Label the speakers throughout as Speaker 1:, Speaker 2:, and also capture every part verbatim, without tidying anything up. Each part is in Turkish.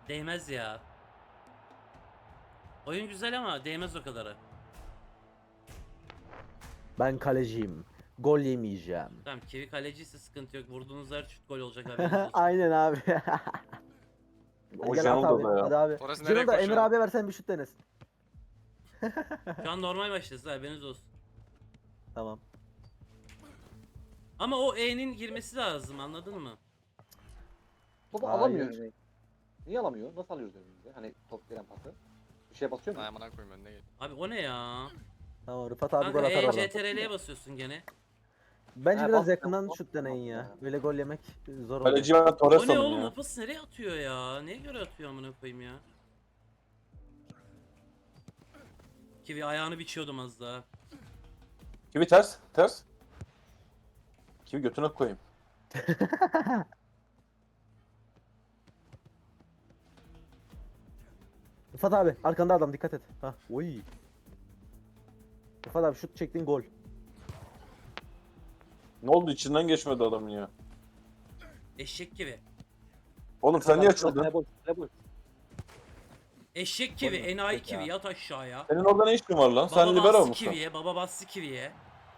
Speaker 1: Değmez ya. Oyun güzel ama değmez o kadarı.
Speaker 2: Ben kaleciyim. Gol yemeyeceğim.
Speaker 1: Tamam, Kivi kaleciyse sıkıntı yok. Vurduğunuz her şut gol olacak, haberiniz olsun.
Speaker 2: Aynen abi. Hadi
Speaker 3: O
Speaker 2: gel at
Speaker 3: Janula'da
Speaker 2: abi.
Speaker 3: ya.
Speaker 2: Hadi abi.
Speaker 4: Torres nereye
Speaker 2: Canım da Emir
Speaker 4: koşuyor?
Speaker 2: abiye versen bir şut denesin.
Speaker 1: Şu an normal maçtayız, haberiniz olsun.
Speaker 2: Tamam.
Speaker 1: Ama o E'nin girmesi lazım, anladın mı?
Speaker 5: Topu
Speaker 2: Hayır.
Speaker 5: alamıyor önüne. Niye alamıyor? Nasıl alıyoruz önümüzde? Hani top gelen pası. Bir şeye basıyor mu?
Speaker 4: Ay amına koyayım önüne gel.
Speaker 1: Abi o ne ya?
Speaker 2: Tamam Rıfat abi
Speaker 1: Kanka
Speaker 2: gol atar
Speaker 1: E,
Speaker 2: oradan.
Speaker 1: C T R L'ye basıyorsun gene.
Speaker 2: Bence
Speaker 5: Ha,
Speaker 2: biraz
Speaker 5: bas-
Speaker 2: yakından
Speaker 5: bas-
Speaker 2: şut deneyin
Speaker 5: bas-
Speaker 2: ya.
Speaker 5: bas-
Speaker 2: Böyle gol yemek zor oluyor.
Speaker 3: Kaleci ben
Speaker 1: O
Speaker 3: Torres
Speaker 1: ne
Speaker 3: sandım
Speaker 1: oğlum,
Speaker 3: ya.
Speaker 1: o pası nereye atıyor ya? Neye göre atıyor amına koyayım ya? Kivi ayağını biçiyordum az daha.
Speaker 3: Kivi ters, ters. Kivi götüne koyayım.
Speaker 2: Rıfat abi arkanda adam, dikkat et. Ha, oy. Rıfat abi şut çektin, gol.
Speaker 3: Ne oldu, içinden geçmedi adamın ya.
Speaker 1: Eşek Kivi.
Speaker 3: Oğlum sen niye
Speaker 5: Kale
Speaker 3: açıldın?
Speaker 5: boş, kale boş.
Speaker 1: Eşek Kivi,
Speaker 2: Oğlum,
Speaker 1: enayi
Speaker 2: ya.
Speaker 1: Kivi, yat aşağıya.
Speaker 3: Senin orada ne işin var lan? Sen
Speaker 1: Baba
Speaker 3: libero
Speaker 1: bastı
Speaker 3: musun?
Speaker 1: Kivi'ye, baba bastı Kivi'ye.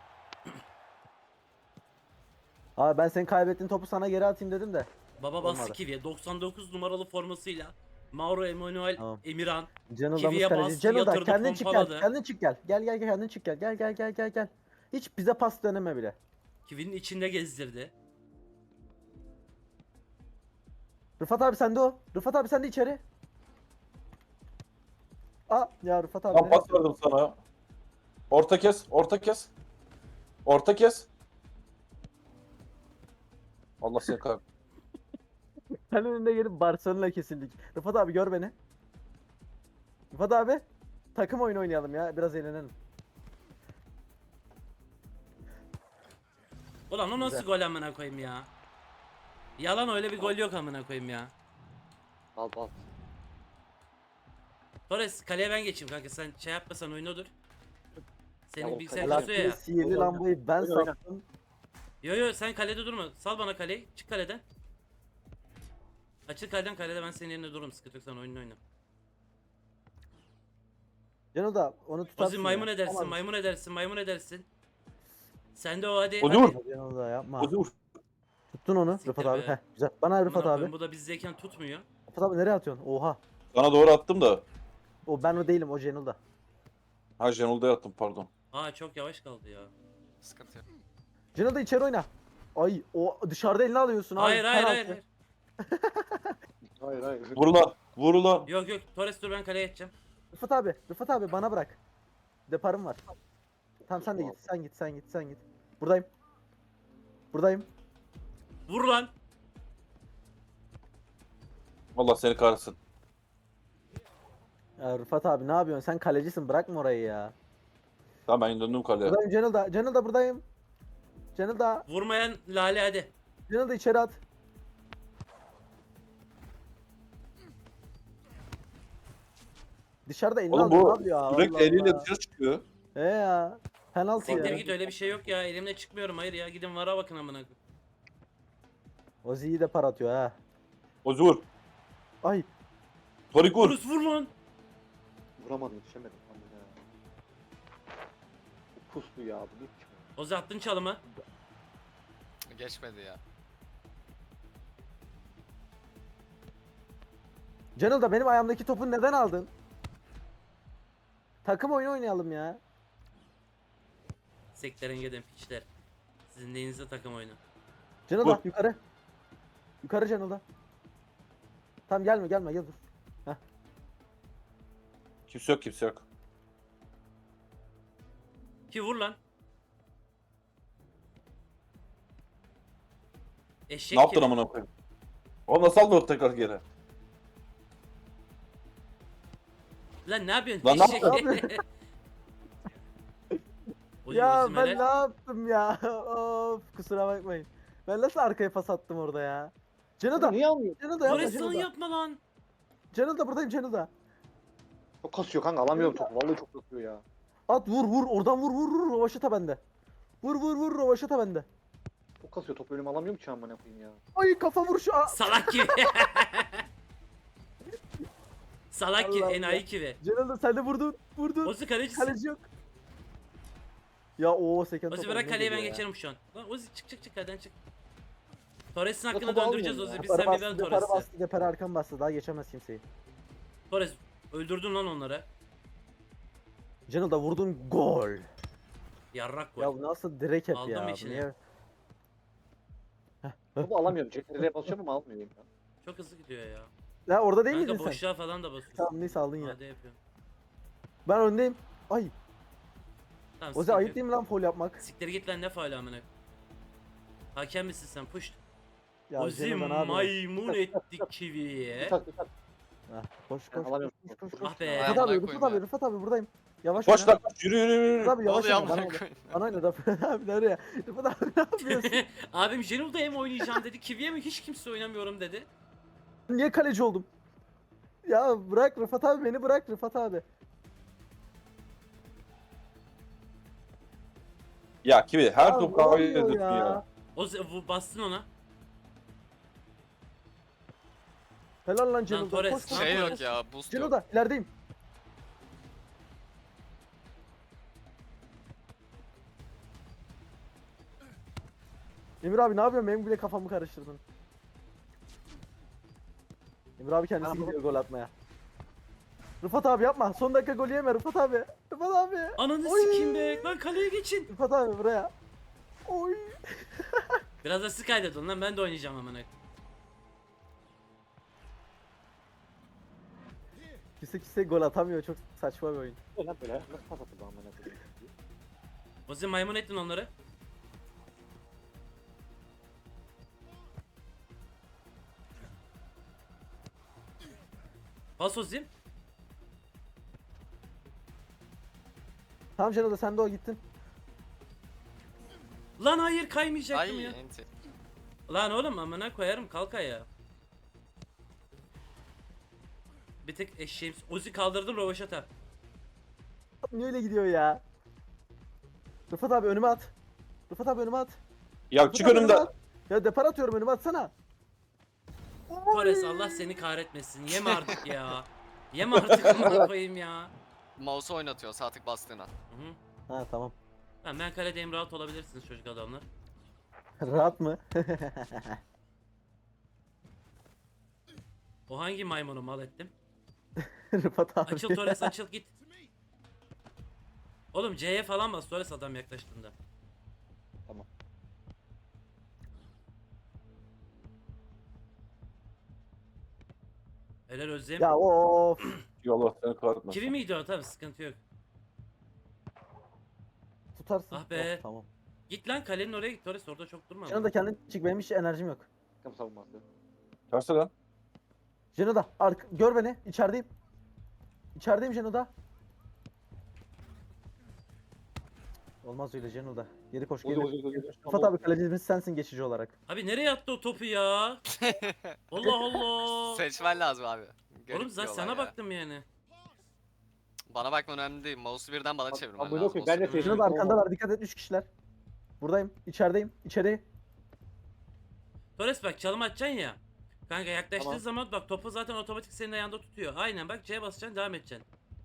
Speaker 2: Abi ben senin kaybettiğin topu sana geri atayım dedim de.
Speaker 1: Baba bastı
Speaker 2: Olmadı.
Speaker 1: Kivi'ye. doksan dokuz numaralı formasıyla Mauro Emanuel
Speaker 2: Tamam.
Speaker 1: Emirhan.
Speaker 2: Cenilda'mız
Speaker 1: Kivi'ye
Speaker 2: kaleci.
Speaker 1: bastı,
Speaker 2: Cenilda
Speaker 1: yatırdı,
Speaker 2: kendin çık gel.
Speaker 1: pompaladı.
Speaker 2: Kendin çık gel. Gel gel gel kendin çık gel. Gel gel gel gel gel. Hiç bize pas deneme bile.
Speaker 1: Kivi'nin içinde gezdirdi.
Speaker 2: Rıfat abi sende o. Rıfat abi sen de içeri. Aa ya Rıfat abi.
Speaker 3: Tam
Speaker 2: ne
Speaker 3: pas
Speaker 2: yapıyorsun?
Speaker 3: verdim sana. Orta kes, orta kes. Orta kes. Allah seni kahretsin.
Speaker 2: Sen önünde gelip Barcelona kesildik. Rıfat abi gör beni. Rıfat abi. Takım oyunu oynayalım ya. Biraz eğlenelim.
Speaker 1: Ulan o nasıl
Speaker 2: Güzel.
Speaker 1: gol amına koyayım ya? Yalan, öyle bir gol yok amına koyayım ya.
Speaker 5: Al al.
Speaker 1: Torres, kaleye ben geçeyim kanka, sen şey yapmasan oyunu dur.
Speaker 5: Ya
Speaker 1: Senin
Speaker 5: o
Speaker 1: bilgisayar
Speaker 5: kale-
Speaker 1: kasıyor ya.
Speaker 2: Alaaddin'in sihirli
Speaker 5: Oyna,
Speaker 2: lambayı ben
Speaker 5: oyna, oyna.
Speaker 2: sattım.
Speaker 1: Yo yo, sen kalede durma. Sal bana kaleyi. Çık kaleden. Açıl kaleden, kalede ben senin yerine dururum. Sıkıntı yok, sen oyununu oyna.
Speaker 2: Cano da onu tutarsın.
Speaker 1: Ozi maymun
Speaker 2: ya.
Speaker 1: edersin,
Speaker 2: Tamam.
Speaker 1: maymun edersin, maymun edersin. Sen de o hadi.
Speaker 3: Ozi
Speaker 1: hadi.
Speaker 3: vur.
Speaker 2: Cano da yapma.
Speaker 3: Ozi vur.
Speaker 2: Tuttun onu
Speaker 1: Siktir
Speaker 2: Rıfat abi.
Speaker 1: be.
Speaker 2: Heh, güzel. Bana Rıfat
Speaker 1: Amına
Speaker 2: abi.
Speaker 1: koyayım, bu da bizdeyken tutmuyor.
Speaker 2: Rıfat abi nereye atıyorsun? Oha.
Speaker 3: Sana doğru attım da.
Speaker 2: O ben o değilim, o Cenilda.
Speaker 3: Ha Janula'ya attım pardon.
Speaker 1: Aa, çok yavaş kaldı ya.
Speaker 4: Sıkıntı yok.
Speaker 2: Cenilda içeri oyna. Ay o dışarıda elini alıyorsun abi.
Speaker 1: Hayır hayır hayır.
Speaker 2: penaltı.
Speaker 1: hayır.
Speaker 5: Hayır hayır.
Speaker 3: Vur lan. Vur lan.
Speaker 1: Yok yok, Torres dur, ben kaleye geçeceğim.
Speaker 2: Rıfat abi, Rıfat abi bana bırak. Deparım var. Tamam sen de git, sen git, sen git, sen git. Buradayım. Buradayım.
Speaker 1: Vur lan.
Speaker 3: Allah seni kahretsin.
Speaker 2: Ya Rıfat abi ne yapıyorsun? Sen kalecisin, bırakma orayı ya.
Speaker 3: Tamam ben döndüm kaleye.
Speaker 2: Buradayım Cenilda. Cenilda buradayım. Cenilda.
Speaker 1: Vurmayan Lale hadi.
Speaker 2: Cenilda içeri at. Dışarıda elini
Speaker 3: Oğlum
Speaker 2: alıyor
Speaker 3: bu
Speaker 2: abi ya.
Speaker 3: sürekli
Speaker 2: Allah
Speaker 3: eliyle
Speaker 2: Allah.
Speaker 3: dışarı çıkıyor.
Speaker 2: He ya. Penaltı
Speaker 1: Siktir
Speaker 2: ya.
Speaker 1: git, öyle bir şey yok ya. Elimle çıkmıyorum, hayır ya. Gidin vara bakın amına koyayım.
Speaker 2: Ozi'yi de par atıyor ha.
Speaker 3: Ozi vur.
Speaker 2: Ay.
Speaker 3: Torik vur.
Speaker 1: Torres vur lan.
Speaker 5: Vuramadım, yetişemedim. Aman ya. Bu puslu ya, bu hiç çıkmıyor.
Speaker 1: Ozi attın çalımı.
Speaker 4: Geçmedi ya.
Speaker 2: Cenilda benim ayağımdaki topu neden aldın? Takım oyunu oynayalım ya.
Speaker 1: Seklerin gidin piçler. Sizin neyinizde takım oyunu.
Speaker 2: Cenilda
Speaker 3: Vur.
Speaker 2: yukarı. Yukarı Cenilda. Tamam gelme gelme gel dur.
Speaker 3: Kimse yok kimse yok.
Speaker 1: Ki vur lan. Eşek
Speaker 3: Ne yaptın
Speaker 1: gibi.
Speaker 3: amına koyayım? O nasıl aldı o tekrar geri?
Speaker 1: Lan ne yapıyorsun?
Speaker 3: Lan ne
Speaker 1: Eşek.
Speaker 2: yapıyorsun?
Speaker 1: Oy,
Speaker 2: Ya
Speaker 1: Ozi
Speaker 2: ben
Speaker 1: Melek.
Speaker 2: ne yaptım ya? Of kusura bakmayın. Ben nasıl arkaya pas attım orada ya? Cenilda.
Speaker 5: Niye almıyor?
Speaker 2: Cenilda yapma
Speaker 1: Torres lan
Speaker 2: Cenilda.
Speaker 1: yapma lan.
Speaker 2: Cenilda buradayım Cenilda.
Speaker 5: Çok kasıyor kanka, alamıyorum topu. Vallahi çok kasıyor ya.
Speaker 2: At vur vur oradan vur vur vur Rovaşata bende. Vur vur vur Rovaşata bende.
Speaker 5: Çok kasıyor, topu önüme alamıyorum ki amına koyayım ya.
Speaker 2: Ay kafa vuruşu. Aa,
Speaker 1: Salak gibi. Salak ki
Speaker 2: Allah
Speaker 1: enayi kivi.
Speaker 2: Cenaldo sen de vurdun. Vurdun.
Speaker 1: Ozi kalecisin.
Speaker 2: Kaleci yok. Ya o seken
Speaker 1: Ozi
Speaker 2: top
Speaker 1: bırak
Speaker 2: önüne
Speaker 1: kaleyi ben
Speaker 2: geliyor ya.
Speaker 1: geçerim şu an. Lan Ozi çık çık çık kaleden çık. Torres'in
Speaker 5: Ya
Speaker 1: hakkını
Speaker 5: topu
Speaker 1: döndüreceğiz
Speaker 5: almıyorum
Speaker 1: Ozi.
Speaker 5: ya.
Speaker 1: Biz
Speaker 2: Depara
Speaker 1: sen bir ben
Speaker 2: bastı, depara
Speaker 1: Torres'i.
Speaker 2: bastı, depara arkam bastı. Daha geçemez kimseyi.
Speaker 1: Torres öldürdün lan onları.
Speaker 2: Cenaldo vurdun gol.
Speaker 1: Yarrak gol.
Speaker 2: Ya bu nasıl direkt hep
Speaker 1: Aldım
Speaker 2: ya.
Speaker 1: içine.
Speaker 2: Niye?
Speaker 5: Topu alamıyorum. C T R'ye basıyorum ama almıyorum ya.
Speaker 1: Çok hızlı gidiyor ya.
Speaker 2: Ya orada değil
Speaker 1: Kanka
Speaker 2: miydin sen?
Speaker 1: boşluğa falan da basıyorsun.
Speaker 2: Tamam neyse aldın ya.
Speaker 1: Hadi yapıyorum.
Speaker 2: Ben öndeyim. Ay.
Speaker 1: Tamam,
Speaker 2: Ozi
Speaker 1: sıkıntı
Speaker 2: ayıp
Speaker 1: yok.
Speaker 2: değil mi lan foul yapmak?
Speaker 1: Siktir git lan ne faali amına. Hakem misin sen? Push.
Speaker 2: Ya
Speaker 1: Ozi
Speaker 2: Cenaldo ne yapıyorsun?
Speaker 1: maymun etti kiviye.
Speaker 5: Bir tak bir tak.
Speaker 2: Heh, Koş
Speaker 5: Ben
Speaker 2: koş
Speaker 5: alamıyorum.
Speaker 2: koş koş koş.
Speaker 1: Ah be.
Speaker 2: Rıfat
Speaker 4: Amına
Speaker 2: abi,
Speaker 4: koyayım
Speaker 2: Rıfat abi,
Speaker 4: ya.
Speaker 2: Rıfat abi buradayım. Yavaş
Speaker 3: Koş
Speaker 2: oyna.
Speaker 3: lan koş yürü yürü yürü.
Speaker 2: Rıfat abi
Speaker 4: Ne
Speaker 2: yavaş
Speaker 4: oluyor
Speaker 2: oyna. Bana
Speaker 4: amına
Speaker 2: oyna.
Speaker 4: koyayım?
Speaker 2: Bana oyna Rıfat abi nereye? Rıfat abi ne yapıyorsun?
Speaker 1: Abim Jenul'da hem oynayacağım dedi. Kiviye mi hiç kimse oynamıyorum dedi.
Speaker 2: Niye kaleci oldum? Ya bırak Rıfat abi beni bırak Rıfat abi.
Speaker 3: Ya Kivi her
Speaker 2: Ya
Speaker 3: top
Speaker 2: ne
Speaker 3: kavga
Speaker 2: oluyor
Speaker 3: ediyorsun
Speaker 2: ya?
Speaker 3: ya.
Speaker 1: Ozi bu- bastın ona.
Speaker 2: Helal lan Cenaldo.
Speaker 1: Torres,
Speaker 2: Koş koş.
Speaker 1: lan
Speaker 4: Şey
Speaker 1: Torres.
Speaker 4: yok ya, boost yok.
Speaker 2: Cenaldo ilerideyim. Emir abi ne yapıyorsun? Benim bile kafamı karıştırdın. Emir abi kendisi
Speaker 5: Tamam.
Speaker 2: gidiyor gol atmaya. Rıfat abi yapma. Son dakika golü yeme Rıfat abi. Rıfat abi.
Speaker 1: Ananı
Speaker 2: Oy.
Speaker 1: sikeyim be. Lan kaleye geçin.
Speaker 2: Rıfat abi buraya. Oy.
Speaker 1: Biraz da siz kaydedin lan ben de oynayacağım amına.
Speaker 2: Kimse kimse gol atamıyor. Çok saçma bir oyun.
Speaker 5: Ne lan böyle? Nasıl pas atıldı amına koyayım?
Speaker 1: Ozi maymun ettin onları. Pas Ozi.
Speaker 2: Tamam Cenaldo sen de o gittin.
Speaker 1: Lan hayır kaymayacaktım
Speaker 4: Ay
Speaker 1: ya.
Speaker 4: enti.
Speaker 1: Lan oğlum amına koyarım kalk ayağa. Bir tek eşeğim. Ozi kaldırdım rovaşata.
Speaker 2: Niye öyle gidiyor ya? Rıfat abi önüme at. Rıfat abi önüme at.
Speaker 3: Ya
Speaker 2: Rıfat
Speaker 3: çık
Speaker 2: abi
Speaker 3: önümden.
Speaker 2: at. Ya depar atıyorum önüme atsana.
Speaker 1: Torres Allah seni kahretmesin. Yeme artık ya. Yeme artık amına koyayım ya.
Speaker 4: Mouse'u oynatıyor sağ tık bastığına.
Speaker 1: Hı hı.
Speaker 2: Ha tamam.
Speaker 1: Ben, ben kaledeyim rahat olabilirsiniz çocuk adamlar.
Speaker 2: Rahat mı?
Speaker 1: O hangi maymunu mal ettim?
Speaker 2: Rıfat abi.
Speaker 1: Açıl Torres açıl git. Oğlum C'ye falan bas Torres adam yaklaştığında.
Speaker 5: Tamam.
Speaker 1: Helal Özlem.
Speaker 2: Ya of.
Speaker 3: Allah seni kahretmesin.
Speaker 1: Kivi miydi o tabi sıkıntı yok.
Speaker 2: Tutarsın.
Speaker 1: Ah be.
Speaker 2: Oh, tamam.
Speaker 1: Git lan kalenin oraya git Torres orada çok durma.
Speaker 2: Jeno da kendin çık benim hiç enerjim yok.
Speaker 5: Takım savunması.
Speaker 3: Tersi lan.
Speaker 2: Jeno da ark gör beni içerideyim. İçerideyim Jeno da. Olmaz öyle Jeno da. Geri koş
Speaker 5: Ozi
Speaker 2: geri.
Speaker 5: ozi ozi.
Speaker 2: Rıfat abi kalecimiz sensin geçici olarak.
Speaker 1: Abi nereye attı o topu ya? Allah Allah.
Speaker 4: Seçmen lazım abi. Garip
Speaker 1: Oğlum
Speaker 4: bir
Speaker 1: zaten
Speaker 4: olay
Speaker 1: sana
Speaker 4: ya.
Speaker 1: baktım yani.
Speaker 4: Bana bakman önemli değil. Mouse'u birden bana
Speaker 5: Abi,
Speaker 4: çevirmen
Speaker 5: abi,
Speaker 4: lazım.
Speaker 5: yok, ben de
Speaker 4: O sırada.
Speaker 2: Jeno da arkandalar dikkat et üç kişiler. Buradayım içerideyim içeri.
Speaker 1: Torres bak çalım atacaksın ya. Kanka yaklaştığı
Speaker 5: Tamam.
Speaker 1: zaman bak topu zaten otomatik senin ayağında tutuyor. Aynen bak C'ye basacaksın devam edeceksin.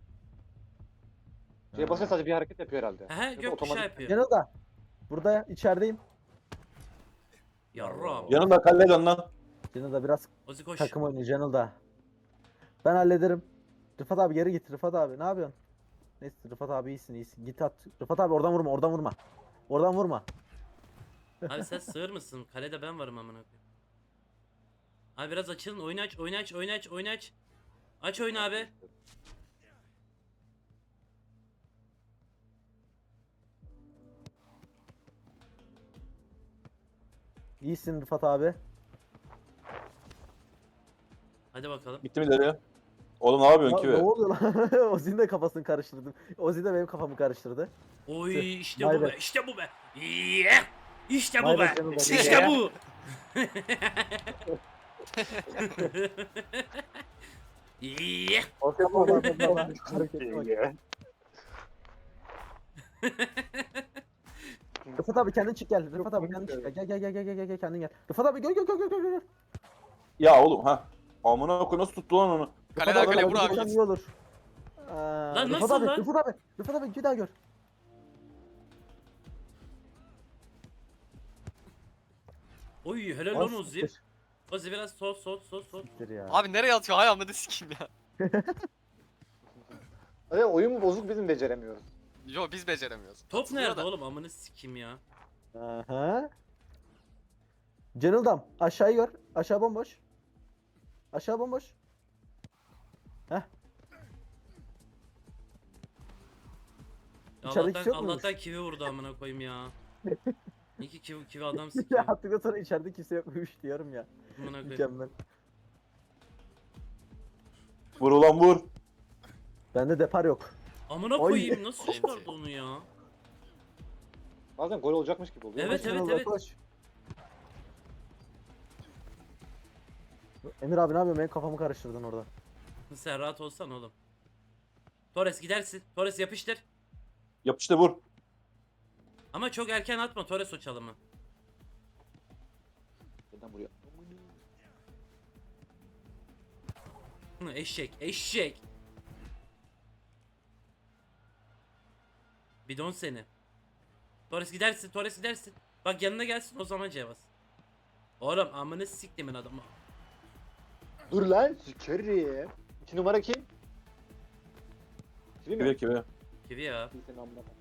Speaker 5: Şeye basınca sadece bir hareket yapıyor herhalde.
Speaker 1: Hehe
Speaker 5: Yoksa
Speaker 1: gökkuşağı
Speaker 5: otomatik-
Speaker 1: yapıyor.
Speaker 2: Jeno da. Burada içerideyim.
Speaker 1: Yarram.
Speaker 3: Yanımda kalle dön lan.
Speaker 2: Jeno da biraz
Speaker 1: Ozi koş.
Speaker 2: takım oyunu Jeno da. Ben hallederim. Rıfat abi geri git Rıfat abi ne yapıyorsun? Neyse Rıfat abi iyisin iyisin git at. Rıfat abi oradan vurma oradan vurma. Oradan vurma.
Speaker 1: Abi sen sığır mısın? Kalede ben varım amına koyayım. Abi biraz açılın. Oyunu aç, oyunu aç, oyunu aç, oyunu aç. Aç oyunu abi.
Speaker 2: İyisin Rıfat abi.
Speaker 1: Hadi bakalım.
Speaker 3: Gitti mi ileri? Oğlum ne yapıyorsun
Speaker 2: Ya,
Speaker 3: Kivi?
Speaker 2: ne oluyor lan? Ozi'nin de kafasını karıştırdım. Ozi de benim kafamı karıştırdı.
Speaker 1: Oy işte
Speaker 2: Vay
Speaker 1: bu
Speaker 2: be.
Speaker 1: be, işte bu be. Yeah! İşte bu
Speaker 2: Vay be
Speaker 1: be.
Speaker 2: canım benim
Speaker 1: İşte
Speaker 2: ya.
Speaker 1: bu. Yeah!
Speaker 2: Rıfat abi kendin çık gel. Rıfat abi kendin çık gel. Gel gel gel gel gel gel kendin gel. Rıfat abi gel gel gel gel gel.
Speaker 3: Ya oğlum ha. Amına koy nasıl tuttu lan onu?
Speaker 4: Kaleden
Speaker 2: abi,
Speaker 4: kaleye
Speaker 2: abi,
Speaker 4: vur abi.
Speaker 2: vursam iyi olur. Ee,
Speaker 1: Lan
Speaker 2: Rıfat
Speaker 1: nasıl
Speaker 2: abi,
Speaker 1: lan?
Speaker 2: Rıfat abi, Rıfat abi bir daha gör.
Speaker 1: Oy helal
Speaker 2: Lan
Speaker 1: lan Ozi.
Speaker 2: siktir.
Speaker 1: Ozi biraz sol sol sol sol.
Speaker 2: Siktir ya.
Speaker 4: Abi nereye atıyor? Hay amına sikeyim ya.
Speaker 5: Evet, oyun bozuk, bizim beceremiyoruz.
Speaker 4: Yo biz beceremiyoruz.
Speaker 1: Top
Speaker 4: Atılıyor
Speaker 1: nerede
Speaker 4: da.
Speaker 1: oğlum amını sikim ya.
Speaker 2: Aha. Cenildam aşağıyı gör. Aşağı bomboş. Aşağı bomboş. Heh.
Speaker 1: Ya
Speaker 2: İçerideki
Speaker 1: Allah'tan
Speaker 2: yok muymuş?
Speaker 1: Allah'tan kivi vurdu amına koyayım ya. İyi ki kivi, kivi adam
Speaker 2: Ya
Speaker 1: sikiyor.
Speaker 2: attıktan sonra içeride kimse yokmuş diyorum ya.
Speaker 1: Amına koyayım.
Speaker 2: Mükemmel.
Speaker 3: Vur ulan vur.
Speaker 2: Bende depar yok.
Speaker 1: Amına
Speaker 2: Ay.
Speaker 1: koyayım nasıl
Speaker 4: Enti.
Speaker 1: çıkardı onu ya?
Speaker 5: Bazen gol olacakmış gibi oluyor.
Speaker 1: Evet,
Speaker 2: Koş
Speaker 1: evet,
Speaker 2: Cenilda,
Speaker 1: evet.
Speaker 2: koş. Emir abi ne yapıyorsun? Benim kafamı karıştırdın orada.
Speaker 1: Sen rahat olsan oğlum. Torres gidersin. Torres yapıştır.
Speaker 3: Yapıştı vur.
Speaker 1: Ama çok erken atma Torres o çalımı.
Speaker 5: Neden buraya?
Speaker 1: Hı, eşek eşek. Bidon seni. Torres gidersin Torres gidersin. Bak yanına gelsin o zaman cevaz. Oğlum amını siktimin adamı.
Speaker 5: Dur lan, sikerim. İki numara kim? Kim
Speaker 3: Kive
Speaker 5: mi?
Speaker 3: kive.
Speaker 1: Kivi ya.
Speaker 5: Senin amına koyayım.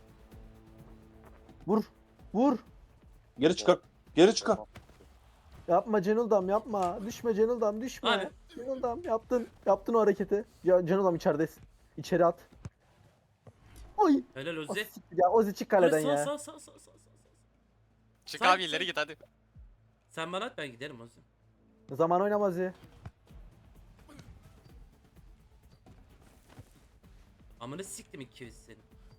Speaker 2: Vur. Vur.
Speaker 3: Geri çıkar. Geri çıkar.
Speaker 2: Yapma Cenildam yapma. Düşme Cenildam düşme.
Speaker 1: Abi.
Speaker 2: Cenildam yaptın. Yaptın o hareketi. Ya Cenildam içeridesin. İçeri at. Oy.
Speaker 1: Helal
Speaker 2: O
Speaker 1: Ozi.
Speaker 2: siktir ya Ozi çık kaleden
Speaker 1: Torres
Speaker 2: ya.
Speaker 1: sağ sağ sağ sağ sağ sağ.
Speaker 4: Çık
Speaker 1: Sen-
Speaker 4: abi ileri git hadi.
Speaker 1: Sen bana at ben giderim Ozi.
Speaker 2: Zaman oynamaz ya.
Speaker 1: Amını siktim iki kivi senin.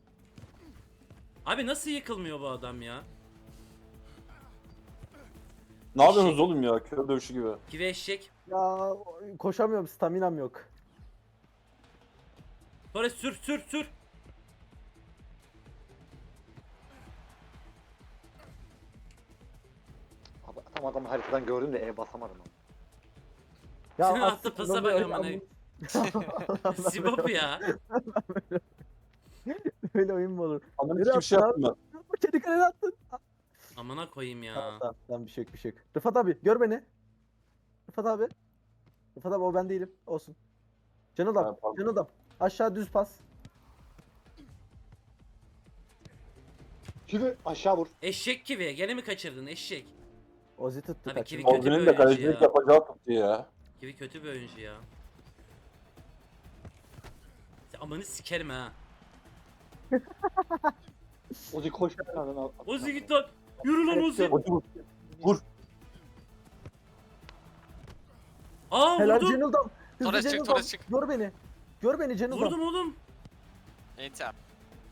Speaker 1: Abi nasıl yıkılmıyor bu adam ya?
Speaker 3: Ne yapıyorsunuz oğlum ya? Kör dövüşü gibi.
Speaker 1: Kivi eşek.
Speaker 2: Ya koşamıyorum staminam yok.
Speaker 1: Torres sür sür sür.
Speaker 5: Abi, tam adamı haritadan gördüm de E basamadım ama.
Speaker 2: Ya
Speaker 1: Senin
Speaker 2: aslında
Speaker 1: attığın pasa
Speaker 2: ben
Speaker 1: bak
Speaker 2: böyle-
Speaker 1: amına.
Speaker 2: Allah'ım,
Speaker 1: Sibop ya.
Speaker 2: Böyle oyun mu olur?
Speaker 3: Anladın
Speaker 2: Nereye
Speaker 3: hiçbir şey
Speaker 2: attın
Speaker 3: yaptım ben.
Speaker 2: Kedi kalene attın.
Speaker 1: Amına koyayım ya.
Speaker 2: Tamam tamam tamam bir şey yok bir şey yok. Rıfat abi gör beni. Rıfat abi. Rıfat abi o ben değilim. Olsun. Can
Speaker 3: Ha,
Speaker 2: adam.
Speaker 3: pardon.
Speaker 2: Can adam. Aşağı düz pas.
Speaker 5: Kimi? Aşağı vur.
Speaker 1: Eşek kivi. Gene mi kaçırdın eşek?
Speaker 2: Ozi tuttu
Speaker 1: Tabii
Speaker 2: kaçırdı.
Speaker 1: kivi kötü bir
Speaker 3: Ozi'nin de
Speaker 1: oyuncu
Speaker 3: kalecilik
Speaker 1: ya.
Speaker 3: yapacağı tuttu ya.
Speaker 1: Kivi kötü bir oyuncu ya. Sen amanı sikerim ha.
Speaker 5: Ozi koş. Lan, al-
Speaker 1: Ozi git lan. Yürü lan Ozi.
Speaker 3: Ozi vur. Vur.
Speaker 1: Aa
Speaker 2: Helal
Speaker 1: vurdum.
Speaker 2: Cenildam. Hızlı
Speaker 4: Torres çık,
Speaker 2: Cenildam.
Speaker 4: Torres çık.
Speaker 2: Gör beni. Gör beni Cenildam.
Speaker 1: Vurdum oğlum.
Speaker 4: Enti abi.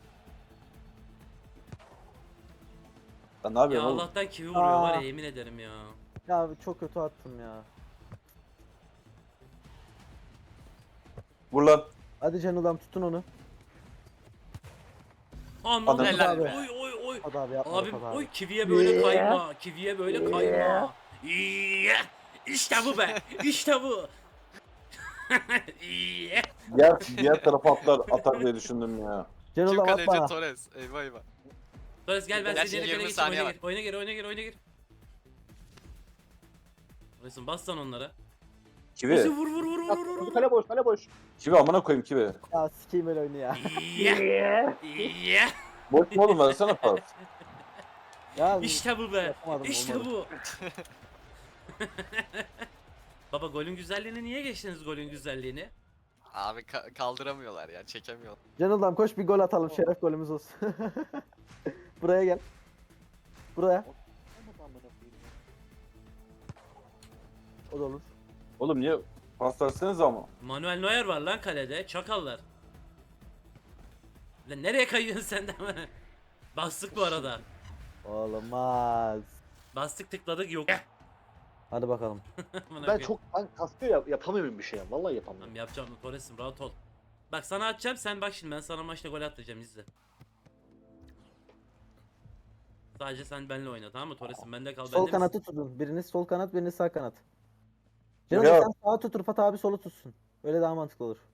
Speaker 3: Sen ne
Speaker 1: Ya
Speaker 3: yapıyorsun oğlum?
Speaker 1: Allah'tan kivi vuruyor
Speaker 2: Aa.
Speaker 1: var ya yemin ederim ya.
Speaker 2: Ya çok kötü attım ya.
Speaker 3: Vur lan.
Speaker 2: Hadi Cenildam tutun onu.
Speaker 1: Anladım.
Speaker 3: Adam-
Speaker 4: Helal
Speaker 1: Oy
Speaker 4: be.
Speaker 1: oy oy.
Speaker 2: Hadi abi yapma
Speaker 1: Abim
Speaker 2: Rıfat abi.
Speaker 1: oy kiviye böyle kayma. Kiviye böyle kayma. İyi. İşte bu be. İşte bu. İyi.
Speaker 3: Diğer, diğer tarafa atlar, atar diye düşündüm ya.
Speaker 4: Kim
Speaker 2: Cenildam
Speaker 4: kaleci?
Speaker 2: atma.
Speaker 4: Torres. Eyvah eyvah.
Speaker 1: Torres gel ben
Speaker 4: Gerçi
Speaker 1: seni yere
Speaker 4: yirmi
Speaker 1: geçeyim.
Speaker 4: saniye
Speaker 1: Oyuna
Speaker 4: var.
Speaker 1: gir. Oyuna gir. Oyuna gir. Oyuna gir. Torres'im bas lan onlara. Ozi
Speaker 3: Kivi.
Speaker 1: vur vur vur vur vur vur.
Speaker 5: Kale boş, kale boş.
Speaker 3: Kivi amına koyayım kivi.
Speaker 2: Ya sikeyim öyle oyunu ya.
Speaker 1: İyi. İyi.
Speaker 3: Boş mu oğlum versene pas.
Speaker 2: Ya
Speaker 1: İşte bu be.
Speaker 2: Yapamadım,
Speaker 1: İşte
Speaker 2: olmadı.
Speaker 1: bu. Baba golün güzelliğini niye geçtiniz golün güzelliğini?
Speaker 4: Abi ka- kaldıramıyorlar ya çekemiyor.
Speaker 2: Cenildam koş bir gol atalım. Şeref golümüz olsun. Buraya gel. Buraya. O da olur.
Speaker 3: Oğlum niye pas verseniz ama.
Speaker 1: Manuel Neuer var lan kalede. Çakallar. Lan nereye kayıyorsun sen de? Bastık bu arada.
Speaker 2: Olmaz.
Speaker 1: Bastık tıkladık yok.
Speaker 2: Hadi bakalım.
Speaker 1: Amına
Speaker 5: Ben
Speaker 1: koyayım.
Speaker 5: çok ben kastıyor ya, yapamıyorum bir şey ya. Vallahi yapamıyorum.
Speaker 1: Tamam yapacağım Torres'im rahat ol. Bak sana atacağım sen bak şimdi ben sana maçta gol atacağım izle. Sadece sen benimle oyna tamam mı Torres'im bende kal
Speaker 2: Sol
Speaker 1: bende
Speaker 2: kanatı tutun. Biriniz sol kanat, biriniz sağ kanat. Cenaldo
Speaker 3: Ya.
Speaker 2: sen sağa tut, Rıfat abi solu tutsun. Öyle daha mantıklı olur.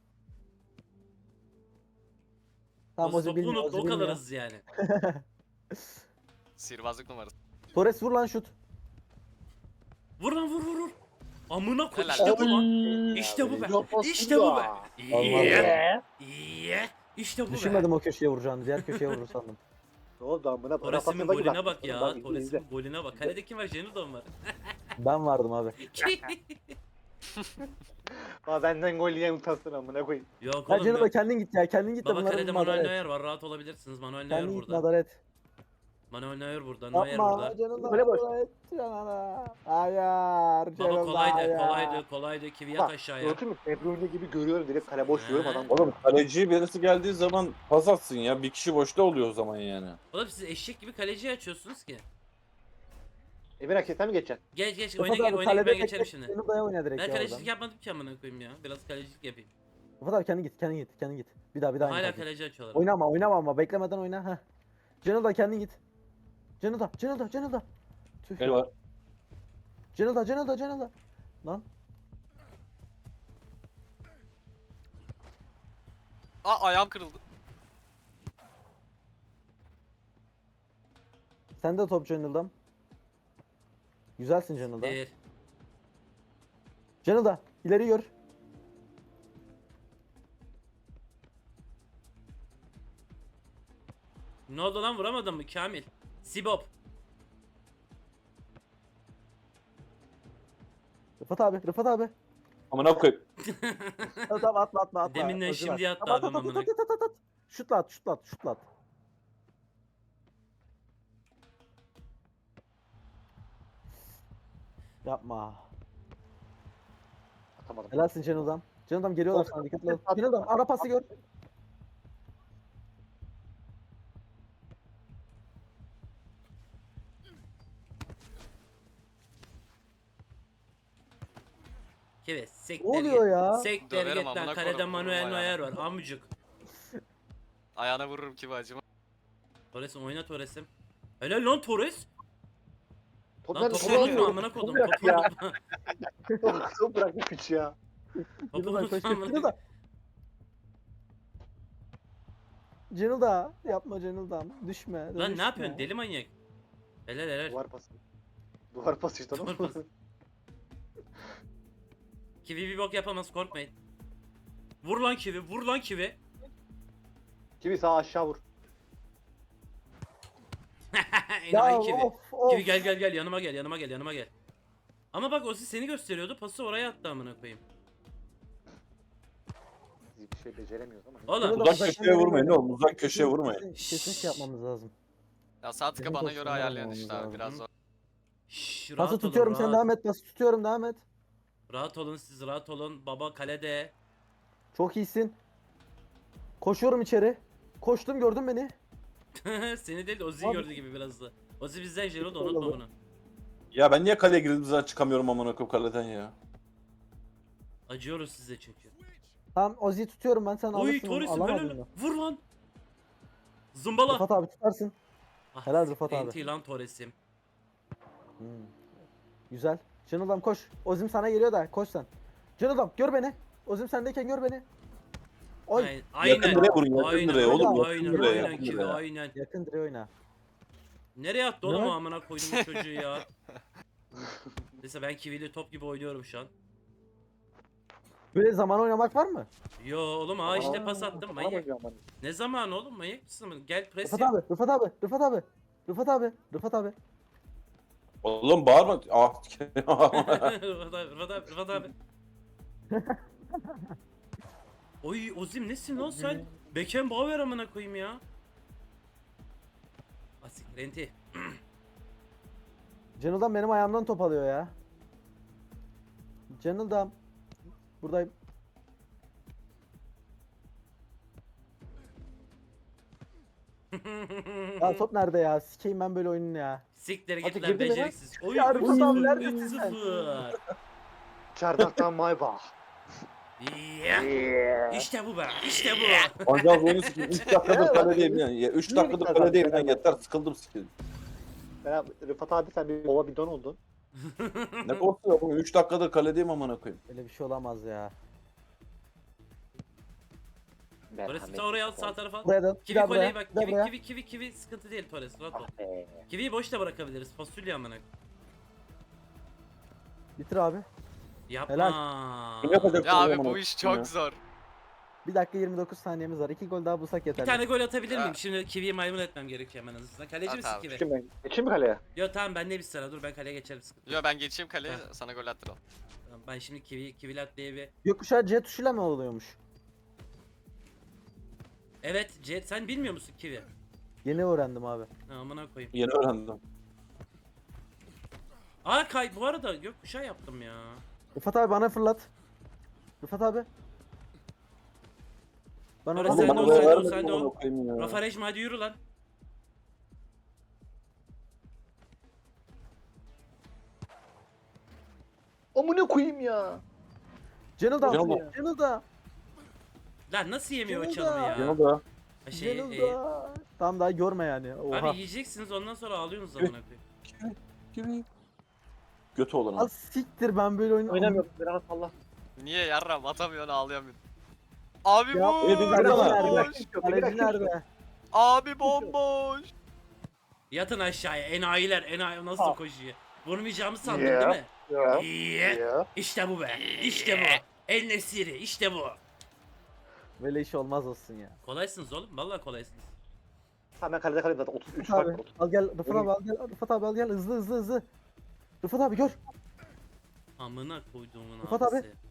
Speaker 2: Tamam
Speaker 1: Ozi
Speaker 2: Ozi
Speaker 1: topu
Speaker 2: bilmiyor,
Speaker 1: unuttu
Speaker 2: Ozi
Speaker 1: o kadar
Speaker 2: bilmiyor.
Speaker 1: hızlı yani.
Speaker 4: Sihirbazlık numarası.
Speaker 2: Torres vur lan şut.
Speaker 1: Vur lan vur vur vur. Amına koy
Speaker 4: Helal.
Speaker 1: işte bu lan.
Speaker 5: Oy.
Speaker 1: İşte bu be.
Speaker 5: Yapma
Speaker 1: İşte bu be.
Speaker 5: Silva.
Speaker 1: İyi. İyi. İşte bu be.
Speaker 2: Düşünmedim o köşeye vuracağını. Diğer köşeye vurur sandım.
Speaker 5: Ne oldu amına?
Speaker 1: Torres'imin
Speaker 5: Rafa Silva
Speaker 1: golüne
Speaker 5: gibi
Speaker 1: bak
Speaker 5: attın.
Speaker 1: ya.
Speaker 5: Bak, izle,
Speaker 1: Torres'imin
Speaker 5: izle.
Speaker 1: golüne bak. Kalede kim var? Cenildo var.
Speaker 2: Ben vardım abi.
Speaker 5: Aa, benden gol yiyen utansın amına koyayım.
Speaker 1: Yok
Speaker 2: Ya
Speaker 1: oğlum
Speaker 2: Cenaldo
Speaker 1: yok.
Speaker 2: kendin git ya. Kendin git de
Speaker 1: Baba
Speaker 2: bunları
Speaker 1: kalede
Speaker 2: bir
Speaker 1: Manuel
Speaker 2: madara et.
Speaker 1: Neuer var. Rahat olabilirsiniz. Manuel Neuer
Speaker 2: Kendin git
Speaker 1: burada.
Speaker 2: madara et.
Speaker 1: Manuel Neuer burada. Neuer
Speaker 2: Yapma
Speaker 1: burada.
Speaker 2: Cenaldo
Speaker 5: Böyle boş.
Speaker 2: madara et. Cenaldo. Hayır.
Speaker 1: Baba
Speaker 2: Cenaldo,
Speaker 1: kolaydı,
Speaker 2: hayır.
Speaker 1: kolaydı, kolaydı. Kivi yat
Speaker 5: Bak
Speaker 1: aşağıya.
Speaker 5: gördün mü? De Bruyne gibi görüyorum direkt kale boş diyorum adam.
Speaker 3: Oğlum kaleciye birisi geldiği zaman pas atsın ya. Bir kişi boşta oluyor o zaman yani.
Speaker 1: Oğlum siz eşek gibi kaleciyi açıyorsunuz ki.
Speaker 5: Emir Akçe'den mi geçeceksin?
Speaker 1: Geç geç
Speaker 2: Rıfat
Speaker 1: oyna gel
Speaker 2: abi
Speaker 1: oyna gel
Speaker 2: kalede
Speaker 1: ben geçerim
Speaker 2: tek
Speaker 1: şimdi.
Speaker 2: tek Cenaldo'ya oyna direkt
Speaker 1: Ben
Speaker 2: ya
Speaker 1: kalecilik
Speaker 2: oradan.
Speaker 1: yapmadım ki amına koyayım ya. Biraz kalecilik yapayım.
Speaker 2: Rıfat abi kendin git, kendin git, kendin git. Bir daha bir daha. aynı
Speaker 1: Hala
Speaker 2: taktik.
Speaker 1: kaleci açıyorlar.
Speaker 2: Oynama, oynama ama beklemeden oyna. Heh. Cenaldo kendin git. Cenaldo, Cenaldo, Cenaldo. Tüh.
Speaker 3: Gel var.
Speaker 2: Cenaldo, Cenaldo, Cenaldo. Lan.
Speaker 4: Aa ayağım kırıldı.
Speaker 2: Sen de top Cenaldo'm. Güzelsin Cenaldo.
Speaker 1: Değil.
Speaker 2: Cenaldo ileri gör.
Speaker 1: Ne oldu lan vuramadın mı Kamil? Sibop.
Speaker 2: Rıfat abi, Rıfat abi.
Speaker 3: Amına koyayım.
Speaker 2: Tamam tamam, atma atma atma.
Speaker 1: Deminden
Speaker 2: Özür dilerim.
Speaker 1: şimdi attı
Speaker 2: Tamam,
Speaker 1: abim
Speaker 2: at, at,
Speaker 1: amına.
Speaker 2: at, at, at, at. Şutla at, şutla at, şutla at. Yapma.
Speaker 5: Atamadım.
Speaker 2: Helalsin Cenaldo'm. Cenaldo'm geliyorlar sana, dikkatli ol.
Speaker 5: At-
Speaker 2: Cenaldo'm ara pası gör.
Speaker 1: Kivi sektir
Speaker 2: Ne oluyor
Speaker 1: git.
Speaker 2: ya?
Speaker 1: Sektir
Speaker 4: Döverim
Speaker 1: git lan
Speaker 4: amına
Speaker 1: kalede
Speaker 4: koyarım,
Speaker 1: Manuel
Speaker 4: vurma
Speaker 1: Neuer
Speaker 4: ya.
Speaker 1: var amcık.
Speaker 4: Ayağına vururum ki bacıma.
Speaker 1: Torres'im oyna Torres'im. Helal lan Torres.
Speaker 5: Top
Speaker 1: Lan
Speaker 5: nerede?
Speaker 1: topu
Speaker 5: Top
Speaker 1: unutma
Speaker 5: nerede?
Speaker 1: amına
Speaker 5: Top
Speaker 1: kodum.
Speaker 5: bırak
Speaker 1: Topu
Speaker 5: ya.
Speaker 1: unutma.
Speaker 5: Top bırak bu piç ya.
Speaker 1: Topu
Speaker 2: Cenaldo koş
Speaker 1: unutma
Speaker 2: koş.
Speaker 1: amına.
Speaker 2: Cenaldo. Cenaldo yapma Cenaldo'm. Düşme.
Speaker 1: Lan
Speaker 2: düşme.
Speaker 1: ne yapıyorsun deli manyak. Helal helal.
Speaker 5: Duvar pası. Duvar pası işte
Speaker 1: Duvar
Speaker 5: oğlum.
Speaker 1: pası. Kivi bir bok yapamaz korkmayın. Vur lan Kivi vur lan Kivi.
Speaker 5: Kimi sağ aşağı vur.
Speaker 2: Ya
Speaker 1: Enayi Kivi.
Speaker 2: of of.
Speaker 1: Kivi gel gel gel yanıma gel yanıma gel yanıma gel. Ama bak Ozi seni gösteriyordu pası oraya attı amına koyayım.
Speaker 5: Biz bir şey beceremiyoruz ama.
Speaker 1: Oğlum
Speaker 2: Cenaldo,
Speaker 3: Uzak
Speaker 2: uzaktan
Speaker 3: köşeye
Speaker 2: geri
Speaker 3: vurmayın
Speaker 2: gel.
Speaker 3: oğlum, uzak köşeye vurmayın.
Speaker 2: Kesin, kesin şey yapmamız lazım.
Speaker 4: Ya sağ tıka
Speaker 2: Benim
Speaker 4: bana göre
Speaker 2: pozisyonlar
Speaker 4: ayarlayan
Speaker 2: olmamız
Speaker 4: işte abi
Speaker 2: lazım.
Speaker 4: biraz zor.
Speaker 1: şşş, rahat
Speaker 2: Pası
Speaker 1: olun,
Speaker 2: tutuyorum, sen
Speaker 1: rahat.
Speaker 2: devam et. Pası tutuyorum, devam et.
Speaker 1: Rahat olun siz rahat olun. Baba kalede.
Speaker 2: Çok iyisin. Koşuyorum içeri. Koştum, gördün beni.
Speaker 1: Seni değil Ozi'yi
Speaker 2: Abi-
Speaker 1: gördü gibi biraz da. Ozi bizden Jero da
Speaker 2: Öyle
Speaker 1: unutma
Speaker 2: oldu.
Speaker 1: bunu.
Speaker 3: Ya ben niye kaleye girdiğim zaman çıkamıyorum amına koyayım kaleden ya.
Speaker 1: Acıyoruz size çünkü.
Speaker 2: Tamam Ozi'yi tutuyorum ben, sen
Speaker 1: Oy
Speaker 2: alırsın onu.
Speaker 1: Torres'im
Speaker 2: Alamadın
Speaker 1: helal.
Speaker 2: mı?
Speaker 1: Vur lan. Zımbala.
Speaker 2: Rıfat abi tutarsın.
Speaker 1: Ah,
Speaker 2: helal Rıfat abi.
Speaker 1: enti lan Torres'im.
Speaker 2: Hmm. Güzel. Cenaldo'm koş. Ozim sana geliyor da koş sen. Cenaldo'm gör beni. Ozim sendeyken gör beni. Oy.
Speaker 1: Ay-
Speaker 3: Yakın
Speaker 1: Aynen.
Speaker 3: direğe vurun, yakın
Speaker 1: Aynen.
Speaker 3: direğe oğlum, yakın
Speaker 1: Aynen.
Speaker 3: direğe,
Speaker 1: Aynen.
Speaker 3: yakın
Speaker 1: Kivi
Speaker 3: direğe.
Speaker 1: aynen.
Speaker 2: Yakın direğe oyna.
Speaker 1: Nereye attı oğlum
Speaker 2: Ne?
Speaker 1: o amına koydum bu çocuğu ya. Neyse ben Kivi'li top gibi oynuyorum şu an.
Speaker 2: Böyle zaman oynamak var mı?
Speaker 1: Yo oğlum ha işte pas attım
Speaker 5: Bana
Speaker 1: manyak.
Speaker 5: bakıyor ama.
Speaker 1: Ne zaman oğlum manyak mısın? Gel pres
Speaker 2: Rıfat
Speaker 1: yap.
Speaker 2: abi, Rıfat abi, Rıfat abi. Rıfat abi, Rıfat abi.
Speaker 3: Oğlum bağırma. Ah.
Speaker 1: Rıfat abi, Rıfat abi, Rıfat abi. Oy Ozim nesin lan sen? Beckenbauer amına koyayım ya. Asik renti.
Speaker 2: Cenaldo'm benim ayağımdan top alıyor ya. Cenaldo'm. Buradayım. Ya top nerede ya? Sikeyim ben böyle oyununu ya.
Speaker 1: Siktir
Speaker 5: Hadi
Speaker 1: git lan
Speaker 5: girdi mi lan?
Speaker 1: beceriksiz. Oy
Speaker 2: Ya
Speaker 1: üç
Speaker 2: Rıfat abi
Speaker 1: sıfır,
Speaker 2: neredesin
Speaker 1: üç
Speaker 2: sen?
Speaker 1: sıfır.
Speaker 5: Çardaktan Maybach.
Speaker 1: Yeah. İşte bu be. İşte bu.
Speaker 3: Ancak oyunu sikeyim. üç dakikadır kaledeyim yani. Ya üç
Speaker 5: Niye
Speaker 3: dakikadır
Speaker 5: bir tane
Speaker 3: kaledeyim
Speaker 5: daha-
Speaker 3: lan, yeter sıkıldım sikeyim.
Speaker 5: Ben Rıfat abi sen bir baba bidon oldun.
Speaker 3: Ne korkuyor oğlum? üç dakikadır kaledeyim amına koyayım.
Speaker 2: Öyle bir şey olamaz ya.
Speaker 1: Torres sen oraya al, sağ tarafa al.
Speaker 2: Buraya da. Bir
Speaker 1: Kivi
Speaker 2: daha
Speaker 1: kolyeyi
Speaker 2: buraya.
Speaker 1: bak.
Speaker 2: Bir daha
Speaker 1: Kivi
Speaker 2: buraya.
Speaker 1: kivi kivi kivi sıkıntı değil Torres. Rahat ol.
Speaker 5: Ah be.
Speaker 1: Kiviyi boş da bırakabiliriz. Fasulye amına.
Speaker 2: Bitir abi.
Speaker 1: Yapma.
Speaker 3: Kim yapacak
Speaker 4: Ya
Speaker 3: bunu
Speaker 4: abi
Speaker 3: amına
Speaker 4: bu iş
Speaker 3: koyayım ya?
Speaker 4: çok zor.
Speaker 2: Bir dakika yirmi dokuz saniyemiz var. İki gol daha bulsak
Speaker 1: Bir
Speaker 2: yeter.
Speaker 1: tane gol atabilir
Speaker 4: Ya.
Speaker 1: miyim? Şimdi Kivi'yi maymun etmem gerekiyor hemen hızlıca. Kaleci
Speaker 4: At
Speaker 1: misin
Speaker 4: abi.
Speaker 1: Kivi?
Speaker 5: Geçeyim ben. Geçeyim mi kaleye?
Speaker 1: Yo tamam ben de bir sıra dur ben kaleye geçerim sıkıntı.
Speaker 4: Yo ben geçeyim kaleye
Speaker 1: Ha.
Speaker 4: sana gol attıralım.
Speaker 1: Tamam, ben şimdi Kivi Kivilat diye bir
Speaker 2: Gökkuşağı C tuşuyla mı oluyormuş?
Speaker 1: evet C sen bilmiyor musun Kivi?
Speaker 2: Yeni öğrendim abi.
Speaker 1: Ha, amına koyayım.
Speaker 3: Yeni öğrendim.
Speaker 1: Aa kay bu arada gökkuşağı yaptım ya.
Speaker 2: Rıfat abi bana fırlat. Rıfat abi. Bana
Speaker 1: Orası
Speaker 2: oradan-
Speaker 1: sen de
Speaker 3: Oğlum
Speaker 1: ol,
Speaker 3: bana
Speaker 1: sen de ol,
Speaker 3: vermedin
Speaker 1: sen de ol.
Speaker 3: amına koyayım ya.
Speaker 1: Rafa Rejma hadi yürü lan.
Speaker 5: Amına koyayım ya.
Speaker 2: Cenil da.
Speaker 3: Cenil da.
Speaker 2: Cenil da.
Speaker 1: Lan nasıl yemiyor o
Speaker 2: Cenil
Speaker 1: çalımı
Speaker 2: da.
Speaker 1: ya?
Speaker 3: Yeni da.
Speaker 1: Ha, Şey,
Speaker 2: Cenil
Speaker 1: e,
Speaker 2: da. Tamam daha görme yani. Oha.
Speaker 1: abi yiyeceksiniz ondan sonra ağlıyorsunuz amına koyayım.
Speaker 3: Kivi. Kivi. Götü olan
Speaker 2: Al siktir ben böyle oyun
Speaker 5: Oynamıyorum. Biraz Allah.
Speaker 4: Niye yarram atamıyorsun ağlayamıyorsun. Abi
Speaker 2: Ya,
Speaker 3: e, biz
Speaker 4: bomboş.
Speaker 3: nerede?
Speaker 2: Kaleci nerede?
Speaker 4: Abi bomboş.
Speaker 1: Yatın aşağıya enayiler enayi nasıl
Speaker 5: Ah.
Speaker 1: koşuyor. Vurmayacağımı sandın
Speaker 5: Ya.
Speaker 1: değil mi?
Speaker 5: Ya.
Speaker 1: İyi.
Speaker 5: Ya.
Speaker 1: İşte bu be. İşte bu. El Nesiri işte bu.
Speaker 2: Böyle iş olmaz olsun ya.
Speaker 1: Kolaysınız oğlum vallahi kolaysınız.
Speaker 5: Tamam ben kalede kalayım zaten. otuz üç
Speaker 2: Rıfat
Speaker 5: fark
Speaker 2: abi
Speaker 5: var. otuz.
Speaker 2: al gel Rıfat abi al gel Rıfat abi al gel hızlı hızlı hızlı. Rıfat abi gör.
Speaker 1: Amına koyduğumun
Speaker 2: Rıfat abi.
Speaker 1: abisi.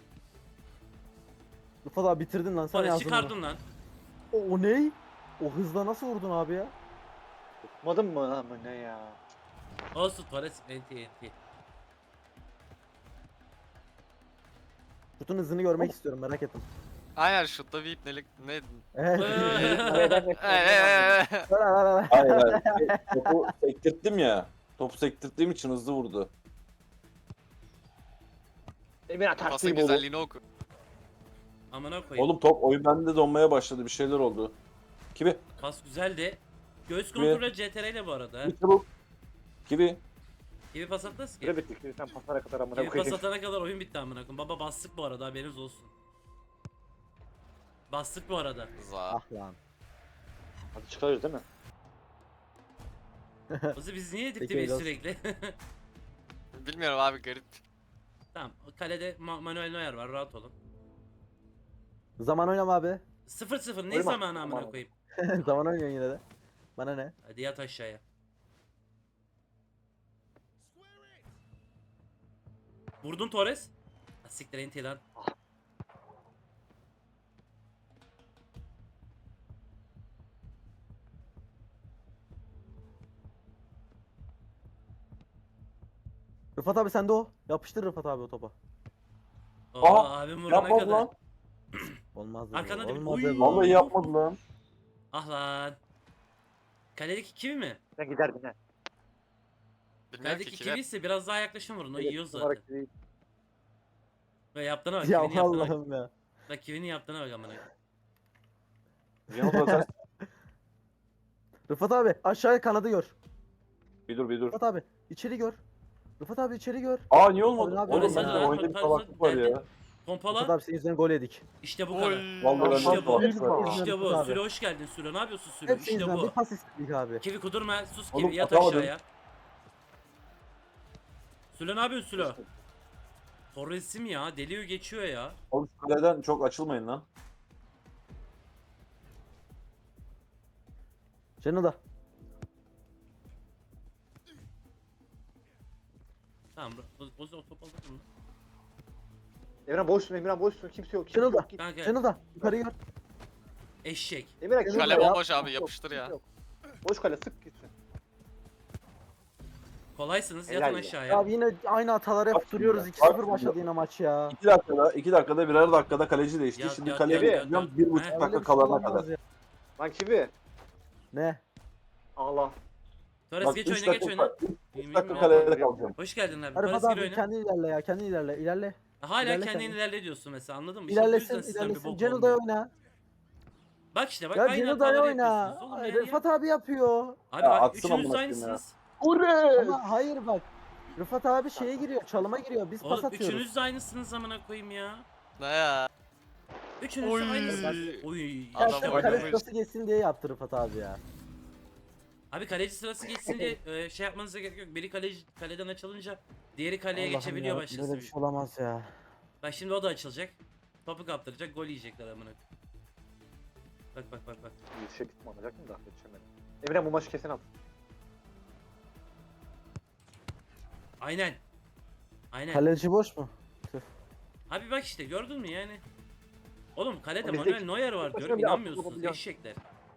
Speaker 2: Rıfat abi bitirdin lan sen
Speaker 1: Torres
Speaker 2: yazdın.
Speaker 1: çıkardın lan.
Speaker 2: O, o ne? O hızla nasıl vurdun abi ya?
Speaker 5: Tutmadın mı lan bu ne ya?
Speaker 1: Olsun Torres enti enti.
Speaker 2: Şutun hızını görmek istiyorum merak ettim.
Speaker 4: Aynen şutta bir ipnelik ne?
Speaker 2: Evet.
Speaker 5: Kaleden
Speaker 4: Ee, ee, ee.
Speaker 3: Hayır hayır. Topu sektirttim ya. Topu sektirttiğim için hızlı vurdu.
Speaker 5: Emir
Speaker 4: Pasın
Speaker 5: atarsın bu.
Speaker 4: güzelliğini oku.
Speaker 1: Amına koyayım.
Speaker 3: Oğlum top oyun bende donmaya başladı. Bir şeyler oldu. Kivi.
Speaker 1: Pas güzeldi. Göğüs
Speaker 3: Kivi.
Speaker 1: kontrolü C T R ile bu arada. ha.
Speaker 3: Kivi çabuk. Kivi.
Speaker 1: Gibi pas atmaz ki.
Speaker 5: Süre bitti. Şimdi sen paslara kadar amına
Speaker 1: Gibi pas
Speaker 5: koyayım.
Speaker 1: atana kadar oyun bitti amına koyayım. Baba bastık bu arada haberiniz olsun. Bastık bu arada.
Speaker 4: Za.
Speaker 2: Ah lan.
Speaker 5: Hadi çıkarıyoruz değil mi?
Speaker 1: Ozi biz niye yedik
Speaker 2: Peki,
Speaker 1: dibi
Speaker 2: öyle olsun.
Speaker 1: sürekli?
Speaker 4: Bilmiyorum abi garip.
Speaker 1: Tamam kalede Ma Manuel Neuer var rahat olun.
Speaker 2: Zaman oynama abi.
Speaker 1: sıfır sıfır ne
Speaker 5: Oyma.
Speaker 1: zamanı amına
Speaker 5: Aman.
Speaker 1: koyayım.
Speaker 2: Zaman oynuyorsun yine de. Bana ne?
Speaker 1: Hadi yat aşağıya. Vurdun Torres. Ha, siktir enti lan.
Speaker 2: Rıfat abi sende o. Yapıştır Rıfat abi o topa.
Speaker 1: Oo,
Speaker 3: Aa,
Speaker 1: abim vurana
Speaker 3: Yapmadı
Speaker 1: kadar.
Speaker 3: lan.
Speaker 2: Olmaz dedi.
Speaker 1: Arkana dön.
Speaker 2: Olmaz
Speaker 1: Oy.
Speaker 2: dedi.
Speaker 3: Vallahi yapmadı lan.
Speaker 1: Ah lan. Kaledeki kivi mi?
Speaker 5: Sen giderdin ha.
Speaker 4: Bilmiyorum ki
Speaker 1: Kaledeki
Speaker 4: kivi.
Speaker 1: kivi ise biraz daha yaklaşın vurun. O
Speaker 5: Evet,
Speaker 1: yiyor
Speaker 5: olarak
Speaker 1: zaten.
Speaker 5: değil.
Speaker 1: Ve yaptığına bak.
Speaker 2: Ya
Speaker 1: Kivinin yaptığına bak.
Speaker 2: Allah'ım ya.
Speaker 1: Bak kivinin yaptığına bak amına. koyayım.
Speaker 3: Yanıl da
Speaker 2: Rıfat abi aşağıya kanadı gör.
Speaker 3: Bir dur bir dur.
Speaker 2: Rıfat abi içeri gör. Rıfat abi içeri gör.
Speaker 3: Aa niye olmadı?
Speaker 2: Abi,
Speaker 3: Oğlum
Speaker 2: abi,
Speaker 3: bende
Speaker 2: abi,
Speaker 3: oyunda bir
Speaker 1: abi,
Speaker 3: salaklık var
Speaker 1: abi.
Speaker 3: ya.
Speaker 2: Rıfat
Speaker 1: Pompala.
Speaker 2: abi senin yüzünden gol yedik.
Speaker 1: İşte bu
Speaker 4: Oy.
Speaker 1: kadar.
Speaker 3: Vallahi
Speaker 1: İşte
Speaker 3: bende
Speaker 1: bu.
Speaker 3: salaklık var ya.
Speaker 1: İşte bu.
Speaker 2: Rıfat abi.
Speaker 1: Sülo hoş geldin Sülo. Ne yapıyorsun Sülo?
Speaker 2: Hep senin
Speaker 1: İşte
Speaker 2: yüzünden bir
Speaker 1: bu.
Speaker 2: pas istedik abi.
Speaker 1: Kivi kudurma. Sus
Speaker 3: Oğlum,
Speaker 1: Kivi. Yat
Speaker 3: atamadım.
Speaker 1: aşağıya. Sülo ne yapıyorsun Sülo? Torres'im ya. Deliyor geçiyor ya.
Speaker 3: Oğlum şu kaleden çok açılmayın lan.
Speaker 2: Cenil da.
Speaker 1: Tamam. O, o top alır mı?
Speaker 5: Emirhan boşsun, Emirhan boşsun. Kimse yok. Kimse
Speaker 2: Şunu da.
Speaker 5: yok. Git.
Speaker 1: Kanka
Speaker 2: Cenil da. Yukarı gör.
Speaker 1: eşek.
Speaker 5: Emirhan kimse
Speaker 4: Kale
Speaker 5: yok.
Speaker 4: bomboş abi
Speaker 5: Yok,
Speaker 4: yapıştır
Speaker 5: kimse
Speaker 4: ya.
Speaker 5: yok. Boş kale sık gitsin.
Speaker 1: Kolaysınız.
Speaker 5: Helal
Speaker 1: Yatın
Speaker 5: ya.
Speaker 1: aşağıya.
Speaker 2: Abi yine aynı hataları
Speaker 3: Bak
Speaker 2: hep duruyoruz.
Speaker 3: şimdi,
Speaker 2: iki
Speaker 3: bak
Speaker 2: sıfır
Speaker 3: şimdi.
Speaker 2: başladı yine maç ya.
Speaker 3: iki dakikada, iki dakikada birer dakikada kaleci değişti.
Speaker 1: Yat,
Speaker 3: Şimdi
Speaker 1: yat,
Speaker 3: kaleye
Speaker 5: yat, yat,
Speaker 3: gideceğim
Speaker 1: yat.
Speaker 3: bir
Speaker 1: He.
Speaker 3: buçuk
Speaker 2: Öyle
Speaker 3: dakika
Speaker 2: bir şey
Speaker 3: kalana
Speaker 2: olamaz
Speaker 3: kadar.
Speaker 2: ya.
Speaker 5: Lan Kivi.
Speaker 2: Ne?
Speaker 5: Allah.
Speaker 1: Torres
Speaker 3: Bak
Speaker 1: geç
Speaker 3: üç
Speaker 1: oyna geç
Speaker 3: dakika,
Speaker 1: oyna.
Speaker 3: üç dakika kalede kalacağım.
Speaker 1: Hoş geldin abi.
Speaker 2: Rıfat
Speaker 1: Torres gir
Speaker 2: abi
Speaker 1: oyna.
Speaker 2: kendin ilerle ya. Kendin ilerle. İlerle.
Speaker 1: Hala
Speaker 2: ilerle
Speaker 1: kendin
Speaker 2: kendin.
Speaker 1: ilerle diyorsun mesela anladın mı? İşte bu yüzden
Speaker 2: İlerlesin.
Speaker 1: sizden bir
Speaker 2: İlerlesin.
Speaker 1: bok
Speaker 2: Cenil
Speaker 1: olmuyor.
Speaker 2: da oyna.
Speaker 1: Bak işte bak
Speaker 2: Ya
Speaker 1: aynı
Speaker 2: Cenil da
Speaker 1: hataları
Speaker 2: oyna.
Speaker 1: yapıyorsunuz oğlum her
Speaker 2: Rıfat abi yapıyor.
Speaker 1: Abi
Speaker 3: Ya
Speaker 1: bak
Speaker 3: atsın
Speaker 1: üçünüz
Speaker 3: amına
Speaker 1: de
Speaker 3: koyayım ya.
Speaker 1: aynısınız.
Speaker 5: Ure.
Speaker 2: Ama hayır bak. Rıfat abi şeye giriyor, çalıma giriyor. Biz pas
Speaker 1: Oğlum
Speaker 2: atıyoruz.
Speaker 1: üçünüz de aynısınız amına koyayım ya.
Speaker 4: Ne ya?
Speaker 1: Üçünüz
Speaker 4: Oy.
Speaker 1: de aynısınız. Oy.
Speaker 2: Ya
Speaker 4: Adam
Speaker 2: sırf
Speaker 1: işte
Speaker 4: oynamış.
Speaker 2: kale
Speaker 1: bak.
Speaker 2: sırası geçsin diye yaptı Rıfat abi ya.
Speaker 1: Abi kaleci sırası geçsin diye e, şey yapmanıza gerek yok. Biri kaleci kaleden açılınca diğeri kaleye
Speaker 2: Allah'ım
Speaker 1: geçebiliyor
Speaker 2: ya,
Speaker 1: başkası.
Speaker 2: böyle bir şey olamaz ya.
Speaker 1: Bak şimdi o da açılacak. Topu kaptıracak, gol yiyecekler amına. Bak bak bak bak.
Speaker 5: Yetişebildim alacaktım da yetişemedim. Emre bu maçı kesin at.
Speaker 1: Aynen. Aynen.
Speaker 2: Kaleci boş mu?
Speaker 1: Abi bak işte gördün mü yani? Oğlum kalede
Speaker 5: Abi
Speaker 1: Manuel
Speaker 5: zeki-
Speaker 1: Neuer var
Speaker 5: Başka
Speaker 1: diyorum
Speaker 5: bir atlı
Speaker 1: inanmıyorsunuz
Speaker 5: olabiliyor.
Speaker 1: eşekler.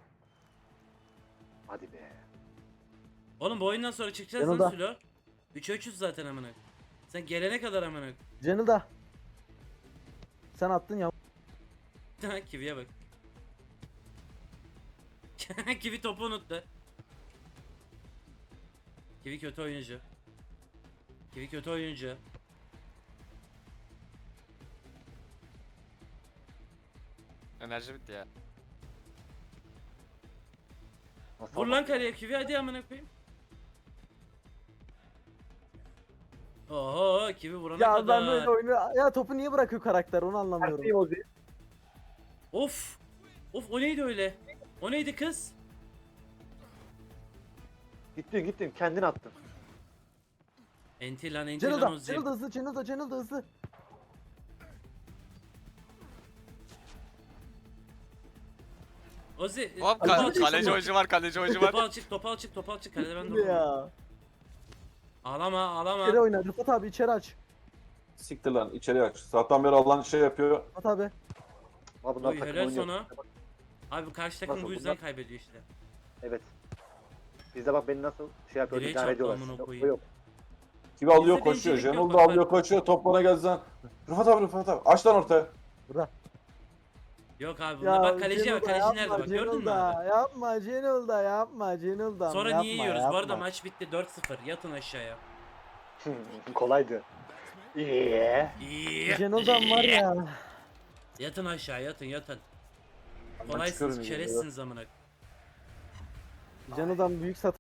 Speaker 5: Hadi be.
Speaker 1: Oğlum bu oyundan sonra çıkacağız
Speaker 2: Yanında.
Speaker 1: lan Sülo. üçe üçüz zaten amına. Sen gelene kadar amına.
Speaker 2: Cenil da. Sen attın ya.
Speaker 1: Kivi'ye bak. Kivi topu unuttu. Kivi kötü oyuncu. Kivi kötü oyuncu.
Speaker 4: Enerji bitti ya.
Speaker 5: Nasıl
Speaker 1: Vur
Speaker 5: at-
Speaker 1: lan kaleye Kivi hadi amına koyayım. Oho Kivi vurana
Speaker 2: Ya
Speaker 1: kadar.
Speaker 2: ben böyle oyunu... Ya topu niye bırakıyor karakter onu anlamıyorum.
Speaker 5: Terteyim Ozi.
Speaker 1: Of. Of o neydi öyle? O neydi kız?
Speaker 5: Gittin gittin kendin attın.
Speaker 1: Enti lan enti
Speaker 2: Cenil
Speaker 1: lan
Speaker 2: da,
Speaker 1: o zil.
Speaker 2: Cenil da hızlı, Cenil da, Cenil da hızlı.
Speaker 1: Ozi.
Speaker 4: Hop
Speaker 1: topu
Speaker 4: ka-
Speaker 1: al çık,
Speaker 4: kaleci
Speaker 1: topu-
Speaker 4: oyuncu var, kaleci oyuncu var.
Speaker 1: Topu al çık, topu al çık, topu al çık. Kalede ben
Speaker 2: Ne
Speaker 1: de
Speaker 2: ya?
Speaker 1: Ağlama, ağlama.
Speaker 2: İçeri oyna, Rıfat abi içeri aç.
Speaker 3: Siktir lan içeri aç. Sabahtan beri Allah'ın şey yapıyor.
Speaker 2: Rıfat abi.
Speaker 5: Ama bunlar
Speaker 1: Oy
Speaker 5: takım
Speaker 1: helal
Speaker 5: oynuyor.
Speaker 1: sana. Abi karşı takım
Speaker 5: Nasıl
Speaker 1: bu
Speaker 5: bunlar?
Speaker 1: yüzden kaybediyor işte.
Speaker 5: Evet. Bizde bak beni nasıl şey yapıyor,
Speaker 1: Direğe
Speaker 5: idare
Speaker 1: çarptı
Speaker 5: ediyorlar.
Speaker 1: amına
Speaker 5: Sizde
Speaker 1: koyayım.
Speaker 5: o yok.
Speaker 3: Gibi alıyor
Speaker 1: Bizde
Speaker 3: koşuyor.
Speaker 1: bencillik yok,
Speaker 3: Jenol da
Speaker 1: bak
Speaker 3: alıyor
Speaker 1: ben-
Speaker 3: koşuyor. Top bana geldi lan. Rıfat abi Rıfat abi. Aç lan ortaya.
Speaker 2: Burada.
Speaker 1: Yok abi bunda bak kaleci
Speaker 2: Cenil
Speaker 1: var.
Speaker 2: da
Speaker 1: Kaleci
Speaker 2: yapma,
Speaker 1: nerede bak gördün
Speaker 2: Cenil
Speaker 1: mü
Speaker 2: da,
Speaker 1: abi?
Speaker 2: Yapma Cenil da yapma Cenil da.
Speaker 1: Sonra
Speaker 2: yapma,
Speaker 1: niye yiyoruz?
Speaker 2: yapma.
Speaker 1: Bu arada maç bitti dört sıfır. Yatın aşağıya.
Speaker 5: Kolaydı. İyi.
Speaker 1: İyi.
Speaker 2: Cenil'dan var ya.
Speaker 1: Yatın aşağı yatın yatın.
Speaker 3: Ben
Speaker 1: Kolaysınız
Speaker 3: çıkıyorum yine,
Speaker 1: çerezsiniz amına.
Speaker 2: Cenil'dan büyük sat